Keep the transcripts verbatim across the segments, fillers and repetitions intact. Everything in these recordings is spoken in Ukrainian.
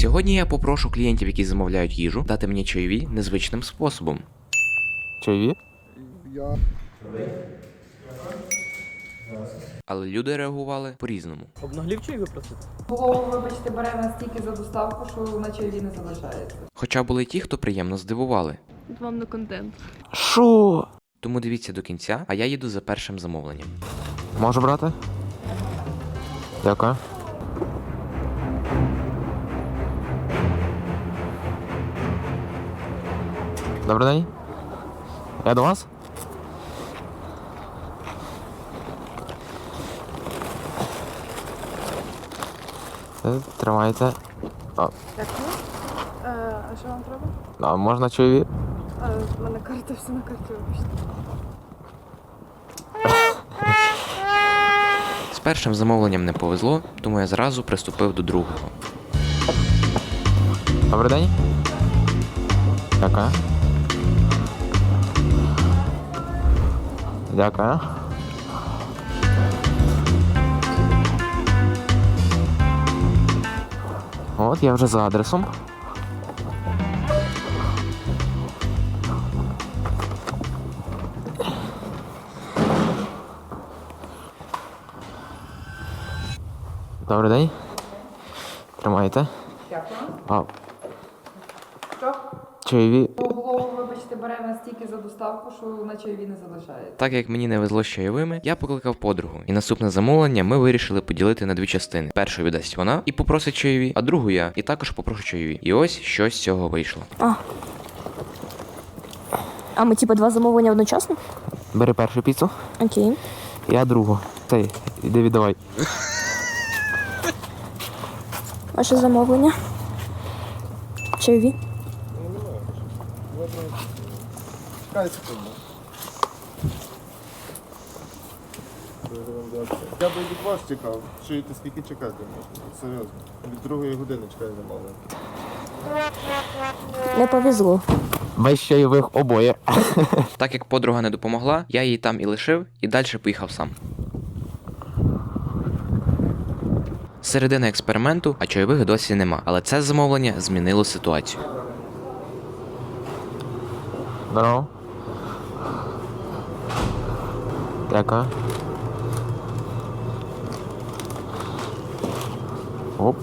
Сьогодні я попрошу клієнтів, які замовляють їжу, дати мені чайові незвичним способом. Чайові? Я... Але люди реагували по-різному. Обнаглів чайові просити? Було, вибачте, бере настільки за доставку, що на чайові не залишається. Хоча були й ті, хто приємно здивували. Вам на контент. Шо? Тому дивіться до кінця, а я їду за першим замовленням. Можу брати? Дякую. Добрий день. Я до вас? Е, Тримайте. А, Дякую. Е, а що вам треба? а можна чайові? Е, в мене карта, все на карті, вибачте. З першим замовленням не повезло, тому я зразу приступив до другого. Добрий день. Дякую. Дякую. От, я вже за адресом. Добрий день. Тримайте. Дякую. А, Що? чайові. Було, вибачте, бере настільки за доставку, що на чайові не залишається. Так як мені не везло з чайовими, я покликав подругу. І наступне замовлення ми вирішили поділити на дві частини. Першу віддасть вона і попросить чайові, а другу я і також попрошу чайові. І ось що з цього вийшло. А. А ми типа два замовлення одночасно? Бери першу піцу, Окей. я другу. Ти, іди віддавай. Ваше замовлення. Чайові. Чекай секунду. Я би від вас чекав. Чуєте, скільки чекати можна? Серйозно. Від другої години чекаю замовлення. Не повезло. Без чайових обоє. Так як подруга не допомогла, я її там і лишив, і далі поїхав сам. Середина експерименту, а чайових досі нема. Але це замовлення змінило ситуацію. Здорово. Дякую. Оп.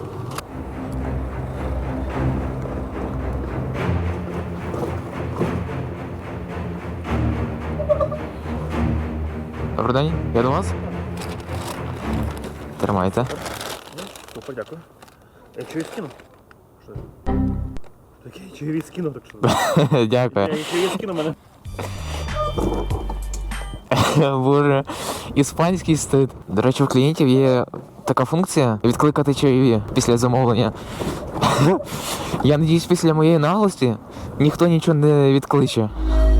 Добрий день, я до вас? Тримайте. Супер, дякую. Я чайові скину? Що? Так я чайові скину, так що? Дякую. Я чайові скину мене. Боже, іспанський стид. До речі, у клієнтів є така функція відкликати чайові після замовлення. Я надіюсь, після моєї наглості ніхто нічого не відкличе.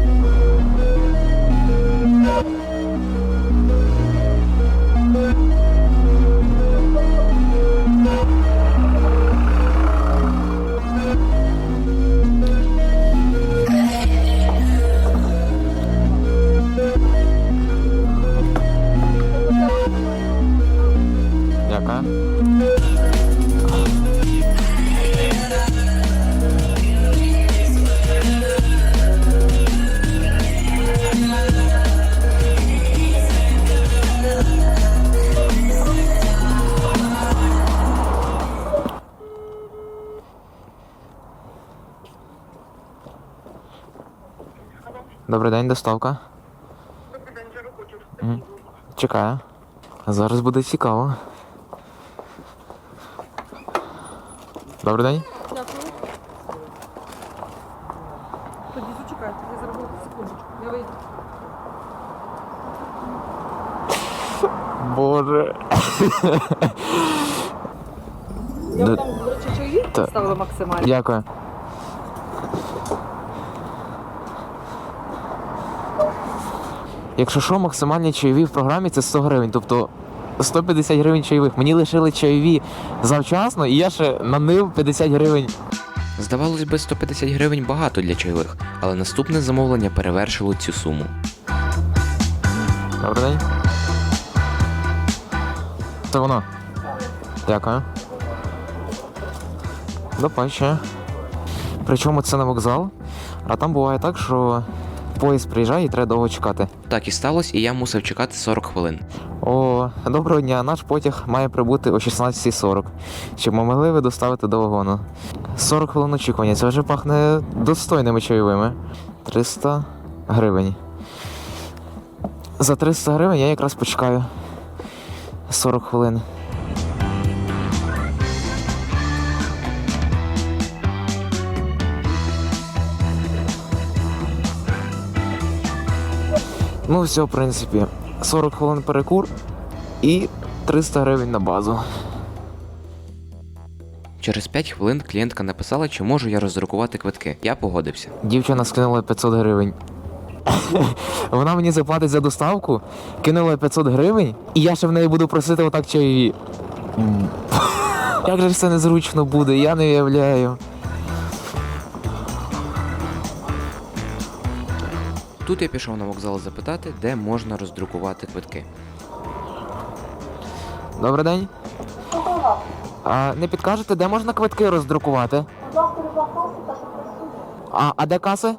Дякую. Добрий день, доставка. Добрий день, я рахую. Мгм. Чекаю. Зараз буде цікаво. Добрий день. Дякую. Тоді зачекайте, я зараз буду секундочку. Я вийду. Боже. Я Д- там, до речі, чайові Та- ставила максимально. Дякую. Якщо що, максимальні чайові в програмі це сто гривень, тобто сто п'ятдесят гривень чайових. Мені лишили чайові завчасно, і я ще нанив п'ятдесят гривень. Здавалось би, сто п'ятдесят гривень багато для чайових, але наступне замовлення перевершило цю суму. Добрий день. Це воно. Дякую. До побачення. Причому це на вокзал, а там буває так, що поїзд приїжджає і треба довго чекати. Так і сталося, і я мусив чекати сорок хвилин. О, доброго дня, наш потяг має прибути о шістнадцятій сорок, щоб ми могли ви доставити до вагону. сорок хвилин очікування, це вже пахне достойними чайовими. триста гривень. За триста гривень я якраз почекаю сорок хвилин. Ну все, в принципі, сорок хвилин перекур і триста гривень на базу. Через п'ять хвилин клієнтка написала, чи можу я роздрукувати квитки. Я погодився. Дівчина скинула п'ятсот гривень. Вона мені заплатить за доставку, кинула п'ятсот гривень, і я ще в неї буду просити отак чайові. М. Як же ж це незручно буде, я не уявляю. Тут я пішов на вокзал запитати, де можна роздрукувати квитки. Добрий день. А не підкажете, де можна квитки роздрукувати? А, а де каси?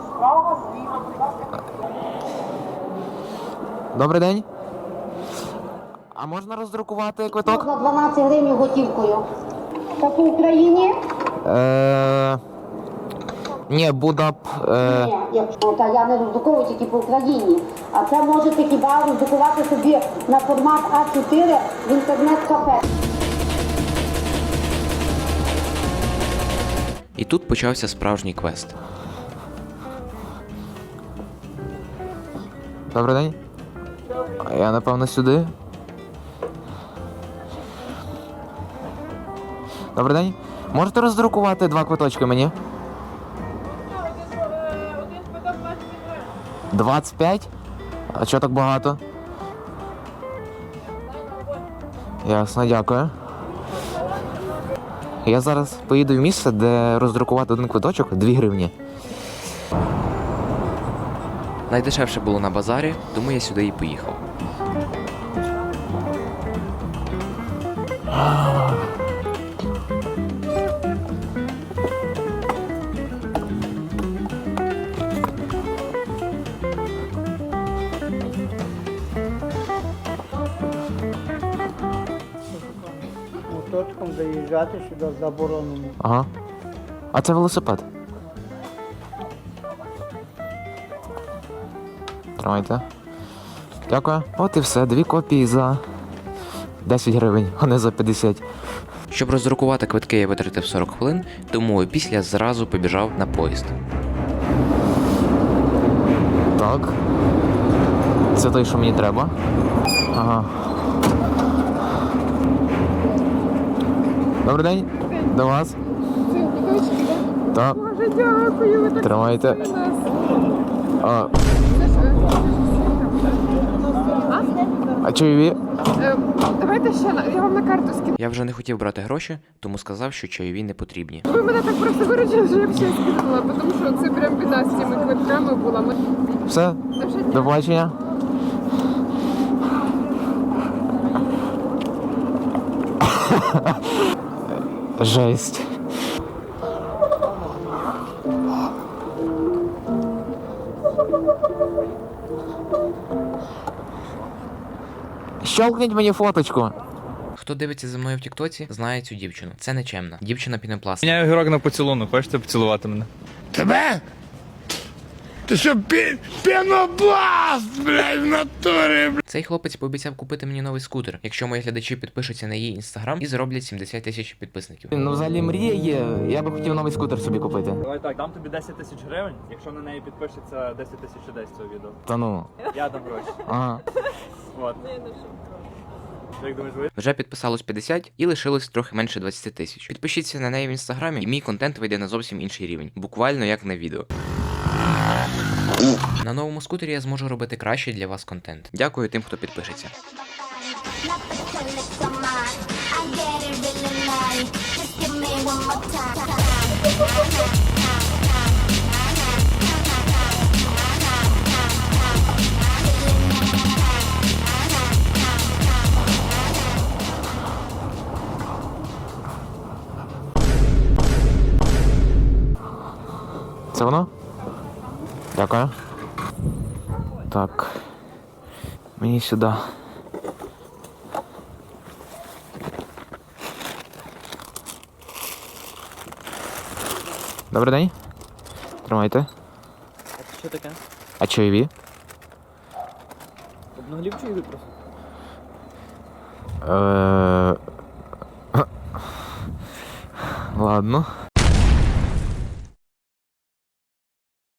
Добрий день. А можна роздрукувати квиток? За дванадцять гривень готівкою. Та по Україні? Е... Ні, буде б... Е... Ні, якщо та я не роздруковую тільки по Україні. А це можете хіба роздрукувати собі на формат а чотири в інтернет-кафе. І тут почався справжній квест. Добрий день. А я, напевно, сюди. Добрий день. Можете роздрукувати два квиточки мені? двадцять п'ять? А чого так багато? Ясно, дякую. Я зараз поїду в місце, де роздрукувати один квиточок дві гривні. Найдешевше було на базарі, тому я сюди і поїхав. Моточком заїжджати сюди заборонено. Ага. А це велосипед. Тримайте. Дякую. От і все. Дві копії за десять гривень, а не за п'ятдесят. Щоб роздрукувати квитки, я витратив сорок хвилин, тому після зразу побіжав на поїзд. Так. Це той, що мені треба. Ага. Добрий день. До вас. Це квиточки, так? Так. Боже, дякую, ви так Тримайте. спасли нас. А, Це ж, е, А? а чайові? Е, Давайте ще, на- я вам на карту скину. Я вже не хотів брати гроші, тому сказав, що чайові не потрібні. Ви мене так просто виручили, що я б ще скинула, тому що це прям біда з цими квитками була. Ми... Все. Дуже До побачення. Жесть. Щелкніть мені фоточку. Хто дивиться за мною в Тіктоці, знає цю дівчину. Це нечемна. Дівчина пінопласт. Міняю огірок на поцілунок, хочете поцілувати мене? Тебе? Ти що, пі... пінопласт, блядь, в натурі, блядь? Цей хлопець пообіцяв купити мені новий скутер, якщо мої глядачі підпишуться на її інстаграм і зароблять сімдесят тисяч підписників. Ну, взагалі мрія є. Я би хотів новий скутер собі купити. Давай так, дам тобі десять тисяч гривень, якщо на неї підпишеться десять тисяч людей з цього відео. Та ну. Я дам гроші. Ага. От. Як думаєш, ви? Вже підписалось п'ятдесят і лишилось трохи менше двадцять тисяч. Підпишіться на неї в інстаграмі, і мій контент вийде на зовсім інший рівень, буквально як на відео. На новому скутері я зможу робити кращий для вас контент. Дякую тим, хто підпишеться. Це воно? Дякую. Так. Мені сюди. Добрий день. Тримайте. Що таке? А чайові? Обнаглів чайові просто. Е... Ладно.